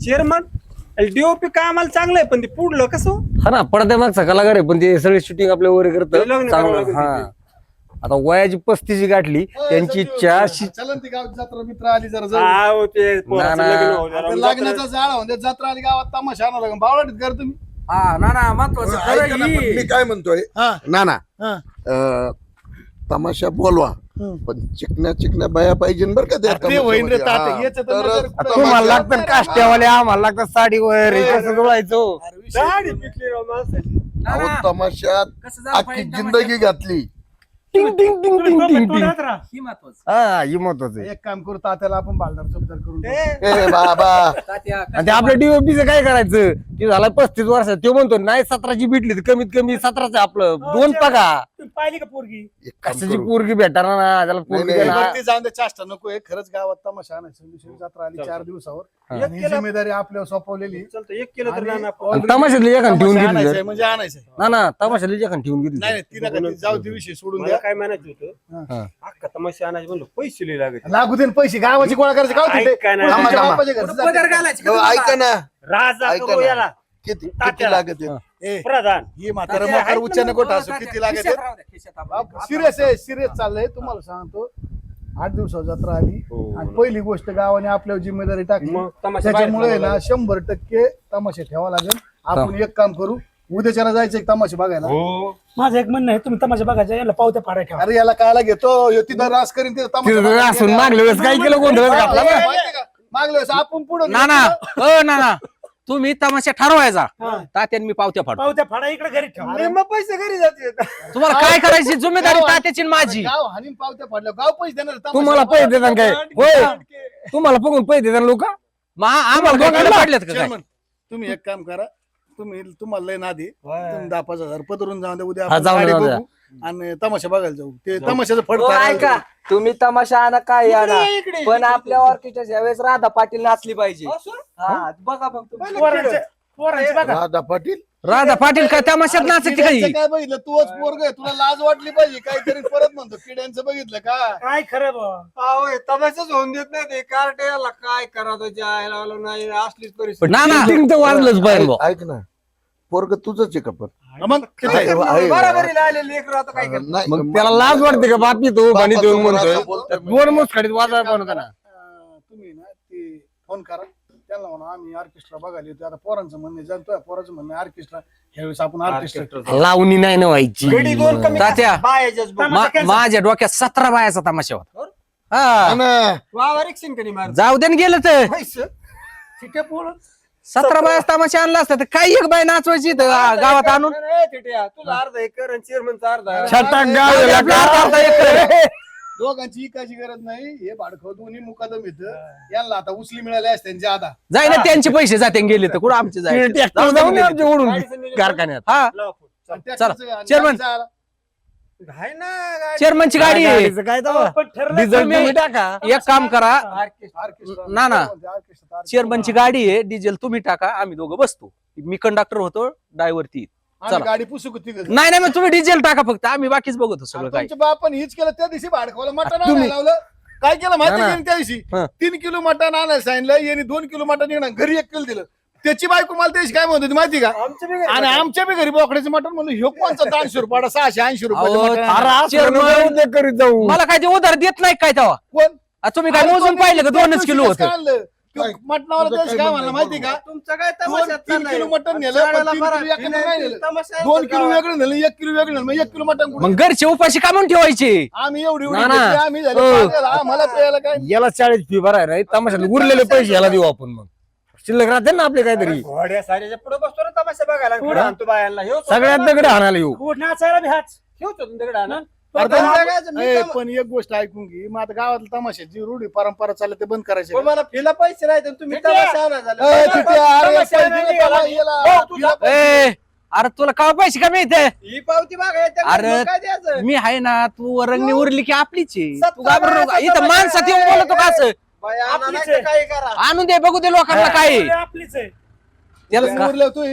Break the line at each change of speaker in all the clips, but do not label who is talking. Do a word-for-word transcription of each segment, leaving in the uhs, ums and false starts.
Chairman DOP कामाला चांगलं आहे पण ते पुढलं कसं
हा ना पडद्या मागचा कलाकार आहे पण ते सगळे शूटिंग आपल्या वगैरे करत
ते लग्न करावं
चांगलं
लागेल
हा आता वयाची पस्तीस गाठली त्यांची इच्छा शि-
चलन ती गावात जत्रा मित्र आली जरा जाऊ.
हा, हो, ते पोराचं
ना, ना.
लग्न हो, जरा
आता लग्नाचा जाळ म्हणजे जत्रा आली गावात तमाशा आणा लागेल बावळाटीत कर तुम्ही
हा ना ना महत्वाचं खरं
ऐका ना, पण
ही.
मी काय म्हणतोय
हा
ना ना
हा
अं, तमाशा बोलवा पण चिकन्या चिकन्या बाया पाहिजे बरं का त्या
ते होईन रे
तमाशामध्ये.
तात्या,
हा,
याचं तर
तरच
नजर कुठं-
तुम्हाला
तमाशा-
लागतात काष्ट्यावाले आम्हाला लागतात साडीवर हे कसं जुळायचं
अरे विषय
दाढी पिकली राव माणसाची.
ना,
अहो,
ना.
तमाशात
कसं झालं
अख्खी
पाहिजे
जिंदगी घातली
टिंग टिंग टिंग टिंग टिंग टिंग
ही महत्वाचं.
हा ही महत्वाचं आहे
एक काम करू तात्याला आपण बालदार चौकदार करून टाकू.
ए,
ए बाबा
तात्या,
आणि ते आपल्या डीओपीचं काय करायचं ते झालं पस्तीस वर्षात तो म्हणतो नाही सतराची भेटली तर कमीत कमी सतराचं आपलं दोन पगा
तुम्ही पाहिली का पोरगी
एक काम
कशाची
करू.
पोरगी भेटणार ना त्याला पोरगी
नाही,
हे
देणार.
बघ, ती जाऊन दे चाष्टा नको आहे खरंच गावात तमाशा आणायचं दुसरी जत्रा आली चार दिवसावर
एक
आणि ही
केलं-
जिम्मेदारी आपल्यावर सोपवलेली
चालतं एक केलं तर
आणि
नाना
आणि तमाशातली एखादी ठेवून
तमाशा
घेतली
आणायचंय
तर.
म्हणजे आणायचंय
ना ना तमाशातली एखादी ठेवून घेतली
नाही नाही ती नका ती जाऊ ती विषय सोडून
मला
द्या
काय म्हणायचं होतं
हा.
अख्खा तमाशा आणायचे म्हणलं पैसे लई लागत
लागू दे ना पैसे गावाची गोळा करायचे गाव तिथे.
ऐका ना.
कोण तुमच्या
थांबा,
बापाच्या घरचं
कुठं पदर
जातं?
घालायचे का
हो,
तुम्हाला?
ऐका ना
राजा
ऐका
करू
ना.
याला
किती किती
तात्याला.
लागत आहे?
ए,
प्रधान
ही म्हातारा
तात्या,
मकर
ऐक
उच्च
ना,
नको
हो,
टासू
तात्या,
किती लागत
खिशात राहू द्या, खिशात आपण.
सिरियस आहे सिरियस चाललंय तुम्हाला सांगतो आठ दिवसात जत्रा आली
हो.
आणि पहिली गोष्ट गावाने आपल्यावर जिम्मेदारी टाकली
मग तमाशा बाहेर
त्याच्यामुळे
ठेवावा
ना
लागेल.
शंभर टक्के तमाशा ठेवा लागेल आपण एक काम करू उद्याच्याला जायचं एक तमाशा बघायला
हो
माझं एक म्हणणं आहे तुम्ही तमाशा बघायचा याला पावत्या फाड्या ठेवा
अरे याला कायला घेतो ह्यो तिथं रास करीन तिथं तमाशा
तिथं
बघायला
असून
गेला.
मागल्या वेळेस काय केलं गोंधळच घातला ना.
माहितीये का? मागल्या वेळेस आपण पुढे
ना ना अ ना ना तुम्ही तमाशा ठरवायचा तात्यान मी पावत्या फाडतो
पावत्या फाड्या इकडे घरी ठेवा
मग पैसे घरी जाते
तुम्हाला काय करायची जिम्मेदारी तात्याची आणि माझी
गाव हानीन पावत्या पडल्या गाव पैसे देणार तमाशा
तुम्हाला पैसे देतात काय होय तुम्हाला बघून पैसे देतात लोक
मग आम्हाला दोघांना पडल्यात का काय
चेअरमन, तुम्ही एक काम करा तुम्ही तुम्हाला लय नादी तुम्ही दहा पाच हजार पदरून जाऊन द्या उद्या
हा,
आपण
जाऊन
गाडी
द्या, जाऊन
बघू आणि तमाशा बघायला जाऊ ते तमाशाचं फड
हो, ऐका तुम्ही तमाशा आणा काय आणा
इकडे,
पण आपल्या ऑर्केस्ट्राच्या वेळेस राधा पाटील नाचली पाहिजे हा बघा मग तुम्ही.
पोरांचे पोरांचे बघा
राधा पाटील
राधा पाटील काय तमाशात नाचते काही
काय बघितलं तूच पोरग आहे तुला लाज वाटली पाहिजे काहीतरी परत म्हणतो किड्यांचं बघितलं का
काय खरं बा
तमाशाच होऊन देत नाही ते कार्ट याला काय करा त्याच्या नाही असलीच परिस्थिती
ना ना
Shooting तर वाजलंच पाहिजे बुवा.
ऐक ना पोरग तुझंच आहे का पण
मग किती आहे?
आहे, आहे.
बरोबरीला आले लेकर आता काय करणार?
नाही,
मग त्याला लाज वाटते का बापी तो पाणी
बापा
देऊन
समोर
म्हणतोय
असं बोलतोय.
दोन मुसखडीत वाजवाय पण होता ना
अं, तुम्ही ना ते फोन करा त्यांना म्हणा आम्ही ऑर्केस्ट्रा बघायला येतो आता पोरांचं म्हणणे जाणतोय पोराचं म्हणणं ऑर्केस्ट्रा ह्यावेळेस आपण ऑर्केस्ट्रा
लावणी नाही ना व्हायची
गडी दोन कमी
तात्या.
बायाच्याच बघ.
मा- माझ्या डोक्यात सतरा बायाचा तमाशा होता
हा
हा
ना.
वावर एक शिंकणी मार
जाऊ दे न गेलं तर
पैसे
ठीक पोर
सतरा बाया तमाशा आणला असता तर काही एक बाय नाचवायची इथं गा- गावात आणून
ए, तिट्या, तुला अर्धा एकर आणि चेअरमनचा अर्धा
छटाक गाव
जाऊ दे,
एला
आपला अर्धा एकर.
दोघांची इकायची गरज नाही हे भाडखं दोन्ही मुकादम येतं यांना आता उचली मिळाली असते ज्यादा
जाय ना त्यांचे पैसे जाते गेले तर कुठं आमचे जायचे
ट्रॅक्टर जाऊन ये आमच्या ओढून
गाडीचं नियोजन
कारखान्यात
हा
लावा फोन.
चला, चेअरमन.
आहे ना गाडी.
चेअरमनची गाडी आहे.
गाडीचं काय तेव्हा?
पण ठरलं
डिझेल
तुम्ही-
तुम्ही टाका
एक काम करा
ऑर्केस्ट्रा
ना, ना.
ऑर्केस्ट्रा
चेअरमनची गाडी आहे डिझेल तुम्ही टाका आम्ही दोघं बसतो मी कंडक्टर होतो ड्रायव्हर ती
आम्ही
चला.
गाडी पुसू किती
नाही नाही मग तुम्ही डिझेल टाका फक्त आम्ही बाकीच बघतो सगळं काय
तुमच्या बापाने हीच केलं त्या दिवशी भाडखवाला मटण
तुम्ही-
आणायला लावलं काय केलं माहिती
ना,
आहे का त्या दिवशी
हा.
तीन किलो मटण आणायला सांगितलं यांनी दोन किलो मटण येणार घरी एक किलो दिलं त्याची बायको मला त्याची काय म्हणत होती माहिती का
आमच्या बी घरी
आणि आमच्या बी घरी बोकड्याचं मटण म्हणून ह्यो कोणचा दोनशे रुपयाला सहाशे ऐंशी
अहो,
रुपये
अरे असं
चेअरमन.
नको ते करीत जाऊ
मला काय ते उधार देत नाही काय तेव्हा
कोण
आ, तुम्ही काय मोजून पाहिलं का दोनच किलो होतं
मटणावाला त्याची काय म्हणलं माहिती का
तुमचं काय
दोन
तमाशात
तीन
चाललंय?
किलो मटण नेलं पण
शाळेला
तीन
बरा.
किलो एकत्र नाही नेलं
तमाशा आहे
दोन
तर
किलो
गावात.
वेगळं नेलं एक किलो वेगळं नेलं मग एक किलो मटण कुठं?
मग घरचे उपाशी का म्हणून ठेवायचे
आम्ही एवढी एवढी
ना, ना.
घेतली, आम्ही झाले
हो.
पागल, आम्हाला प्यायला काय
याला चाळीस फी भराय नाही तमाशाला उरलेले पैसे याला देऊ आपण मग शिल्लक राहते ना आपले काहीतरी
घोड्या साऱ्याच्या पुढे बसतो ना तमाशा बघायला पुढे आणतो बायांना ह्यो
सगळ्यात दगड हाणायला येऊ
कुठ नाचायला बी हाच
ह्योच होतो ना दगड आणा.
अरे
पण
पण-
जगायचं मी
ए,
तमा-
पण एक गोष्ट ऐकून घे मग आता गावातल्या तमाशाची रूढी परंपरा चालली ते बंद करायचे
पण मला फिला पैसे नाही तर तुम्ही
तिथे-
तमाशा आणा झालं.
ए, तिथे अरे
तमाशा
पैसे
नाही
दिले
निघाला.
त्याला, याला.
हो, तुझा-
तुला-
ए अरे तुला का पैसे का मिळते
ही पावती बघायची
अरे,
काय द्यायचं
मी आहे ना तू रंगणी उरली की आपलीच आहे तू
सत्ता
घाबरू नको.
बाया,
इथं
सत्ता
माणसात
बाया.
येऊन बोलतो का असं
बाया आणा
आपलीच
नाही तर
आहे.
काही करा
आणून दे बघू दे लोकांना काय आहे.
आपलीच आहे
त्याला
तुम्ही
का-
उरलं तू हे.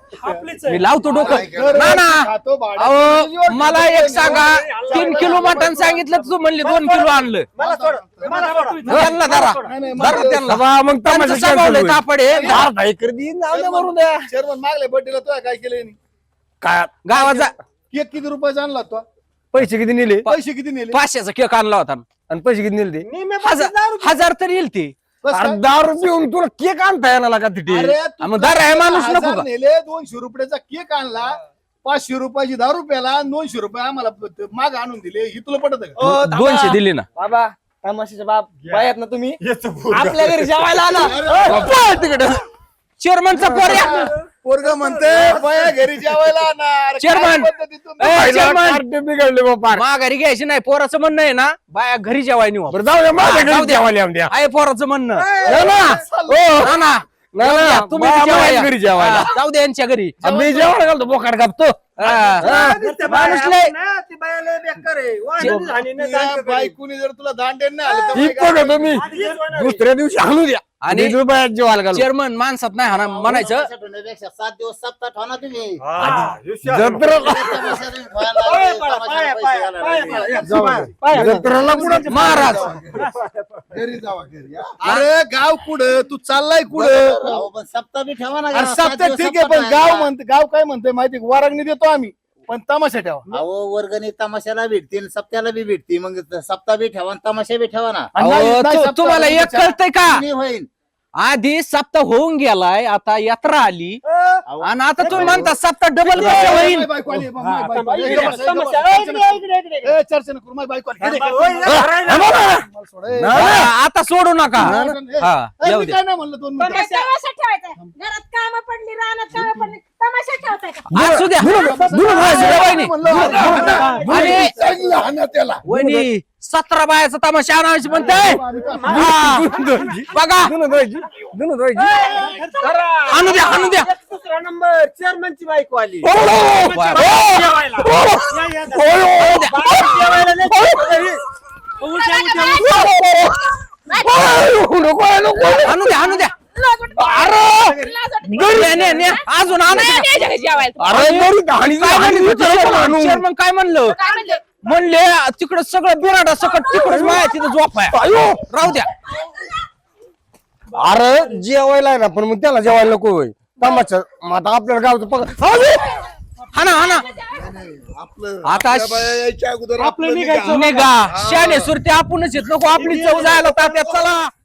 आपलीच आहे.
मी लावतो डोकं
घर
ना ना
खातो, भाडं
अहो
किती
मला
दिवस
एक सांगा तीन किलो मटण सांगितलं तू म्हणले दोन किलो आणलं
मला सोड मला सोड
त्यांना धरा
नाही, नाही,
धरा
मला-
त्यांना
बाबा, मग
त्यांचं
तमाशा
स्वभाव
cancel
लय
होईल.
तापड आहे
दहा दहा एकर देईन, जाऊ द्या मरू द्या.
चेअरमन मागल्या बड्डेला तुला काय केलं यांनी?
काय
गावाचा
केक किती रुपयाचा आणला तो
पैसे किती नेले
पैसे किती नेले
पाचशेचा केक आणला होता
आणि पैसे किती नेले ते
निम्मे
हजार हजार तरी येईल ते
कसं काय?
अरे दहा रुपये येऊन तुला केक आणता येणार का तिथे
अरे तू
मग दारू आहे माणूस नको
हजार
का?
नेले दोनशे रुपयाचा केक आणला पाचशे रुपयाची दारू प्याला आणि दोनशे रुपये आम्हाला माग आणून दिले ही तुला पटत का?
दोनशे दिले ना
बाबा तमाशाचे बाप बायात ना तुम्ही आपल्या घरी जेवायला आला
तिकडे
चेअरमनचा पोर्या
पोरग म्हणते बाया घरी जेवायला आणणार. काय
चेअरमन.
पद्धतीतून-
ए, चेअरमन.
बिघडले बाबा
माघारी घ्यायची नाही पोराचं म्हणणं आहे ना बाया घरी जेवाय नेऊ
बरं जाऊ द्या माझ्या
जाऊ
घरी
द्या.
जेवायला येऊन द्या
आहे पोराचं म्हणणं
ना ना. हो.
ना ना
ना,
जाऊ द्या,
ना,
तुम्ही
बाया
जेवायला
माझ्या घरी जेवायला.
हा, जाऊ दे यांच्या घरी
मी जेवायला घालतो बोकाड कापतो
हा, हा. माणूस लय-
ती बाया लय बेकार आहे. वाहनाची झाली नाही,
तुझ्या
दांड करी.
बायकोनी जर तुला दांडेन नाही आलं तर
ही
मग काय
बघा तुम्ही
आधीच होणार आहे.
दुसऱ्या दिवशी आणू द्या
आणि-
आणि रुपयात जेवायला घालू
चेअरमन माणसात नाही हा म्हणायचं
सात दिवस सप्ताह ठेवा ना तुम्ही
हा, हुशार.
जत्रा
पाया पडा, पाया, पाया, पाया पडा.
जाऊ द्या. जत्राला कुठं
महाराज
घरी जावा घरी हा.
अरे गाव कुठं तू चाललाय कुठं
अहो, पण सप्ताह बी ठेवा ना
अरे
सात
सप्ताह
दिवस
ठीक आहे
सप्ताह
पण गाव
ठेवा.
म्हणते गाव काय म्हणते माहिती वरांगणी देतो आम्ही पण तमाशा ठेवा
अहो वर्गणी तमाशाला भेटतील सप्त्याला बी भेटतील मग सप्ताह बी ठेवा आणि तमाशा बी ठेवा ना
आणि नाही-
अहो,
नाही
तु-
सप्ताह
तुम्हाला एक
त्याच्या-
कळतंय का
नाही होईल
आधी सप्ताह होऊन गेलाय आता यात्रा आली
अहो,
आणि आता तुम्ही म्हणता सप्ताह डबल कसं होईल
माझी बायको आली, माझी बायको आली.
इकडे
एकदम-
समस्या.
एकदम-
ए, इकडे, इकडे, इकडे, इकडे.
ए, चर्चा नको करू, माझी बायको आली. हे देख.
ओय, या घराला.
मला सोड, ए.
हा, आता सोडू नका
ए,
हा
ए,
येऊ
मी
दे
काय नाही म्हणलं दोन मिनिटं.
तमाशा.
तमाशा ठेवायचा घरात काम पडली रानात काम पडली तमाशा ठेवताय का
असू द्या
दुरून
द्या, वहिनी.
म्हणलं,
आणि
चांगलं हाणा त्याला
वहिनी सतरा बायाचा तमाशा आणायची म्हणताय हा. बघा
धुणं धुवायची, धुणं धुवायची.
आणू द्या आणू द्या
एक दुसरा नंबर चेअरमनची बायको आली
ओ, ओ,
वा.
जेवायला.
ओ,
या, या, जा.
ओ, ओ,
जेवायला नाही. उलट्या, उलट्या,
ओ, नको, नको.
आणू द्या आणू द्या
अरे
ने, ने, ने. अजून आणू द्या.
अरे बरी कहाणी
काय म्हणली होती
आणू.
चेअरमन? चेअरमन काय म्हणलं म्हणले तिकडं सगळं बिराडा सकट तिकडच माया तिथं झोप आहे
आयो.
राहू द्या
अरे जेवायला आहे ना पण मग त्याला जेवायला नको होय तमाशा मग आता आपल्याला गावचं पग
हा ना हा ना
आपलं
आता
आपल्या बाया यायच्या अगोदर आपलं निघा.
निघा शाने सुरते आपणच येत नको आपली चव जायला तात्यात चला